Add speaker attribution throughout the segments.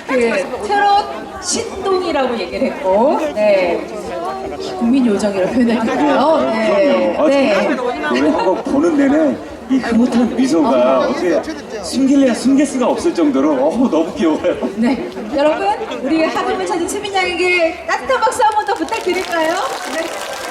Speaker 1: 그 트롯 신동이라고 얘기를 했고, 네. 국민 요정이라고 표현할까요? 네. 네.
Speaker 2: 노래 한 곡 보는 내내 이 흐뭇한 미소가 어떻게 숨길래야 숨길 수가 없을 정도로 너무 귀여워요.
Speaker 1: 네. 여러분, 우리 하늘을 찾은 수빈 양에게 따뜻한 박수 한 번 더 부탁드릴까요? 네.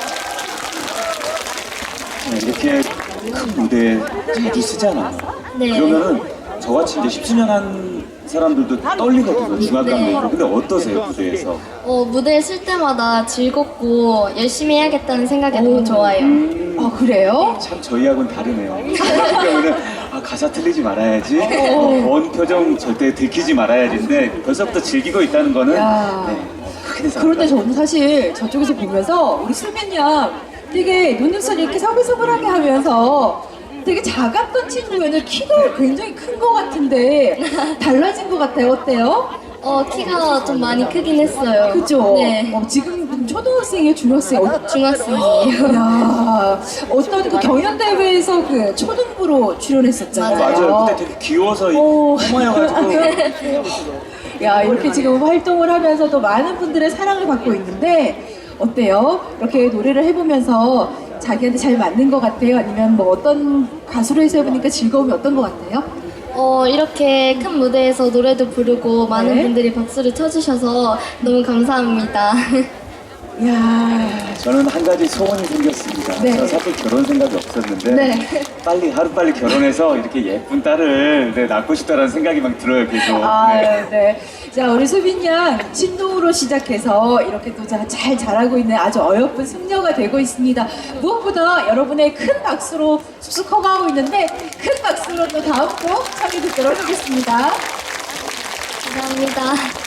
Speaker 2: 이렇게 큰 무대에 자주 쓰잖아요.
Speaker 3: 네.
Speaker 2: 그러면은 저같이 이제 10주년 한 사람들도 떨리거든요. 중압감도. 근데 어떠세요, 무대에서?
Speaker 3: 무대에 쓸 때마다 즐겁고 열심히 해야겠다는 생각이 너무 좋아요.
Speaker 1: 아, 그래요?
Speaker 2: 참 저희하고는 다르네요. 그러면은 가사 틀리지 말아야지. 원 표정 절대 들키지 말아야지인데 벌써부터 즐기고 있다는 거는
Speaker 1: 야.
Speaker 2: 네, 크게
Speaker 1: 그런데 저는 사실 저쪽에서 보면서 우리 수빈 양 되게 눈웃음을 이렇게 서글서글하게 하면서 되게 작았던 친구였는데 키가 굉장히 큰 것 같은데 달라진 것 같아요. 어때요?
Speaker 3: 키가 좀 많이 크긴 했어요.
Speaker 1: 그죠?
Speaker 3: 네.
Speaker 1: 지금 초등학생이에요? 중학생이에요?
Speaker 3: 중학생이에요.
Speaker 1: 야, 어떤 그 경연대회에서 그 초등부로 출연했었잖아요.
Speaker 2: 맞아요. 그때 되게 귀여워서 꼬마여가지고
Speaker 1: 야, 이렇게 지금 활동을 하면서도 많은 분들의 사랑을 받고 있는데 어때요? 이렇게 노래를 해보면서 자기한테 잘 맞는 것 같아요? 아니면 뭐 어떤 가수로 해서 해보니까 즐거움이 어떤 것 같아요?
Speaker 3: 이렇게 큰 무대에서 노래도 부르고 많은
Speaker 1: 네.
Speaker 3: 분들이 박수를 쳐주셔서 너무 감사합니다.
Speaker 1: 야,
Speaker 2: 저는 한 가지 소원이 생겼습니다.
Speaker 1: 네.
Speaker 2: 저 사실 결혼 생각이 없었는데
Speaker 1: 네.
Speaker 2: 빨리 하루빨리 결혼해서 이렇게 예쁜 딸을 낳고 싶다라는 생각이 막 들어요, 계속.
Speaker 1: 네. 자, 우리 수빈 양 신동으로 시작해서 이렇게 또 잘 자라고 있는 아주 어여쁜 숙녀가 되고 있습니다. 무엇보다 여러분의 큰 박수로 쑥쑥 커가고 있는데 큰 박수로 또 다음 곡 청해 듣도록 하겠습니다.
Speaker 3: 감사합니다.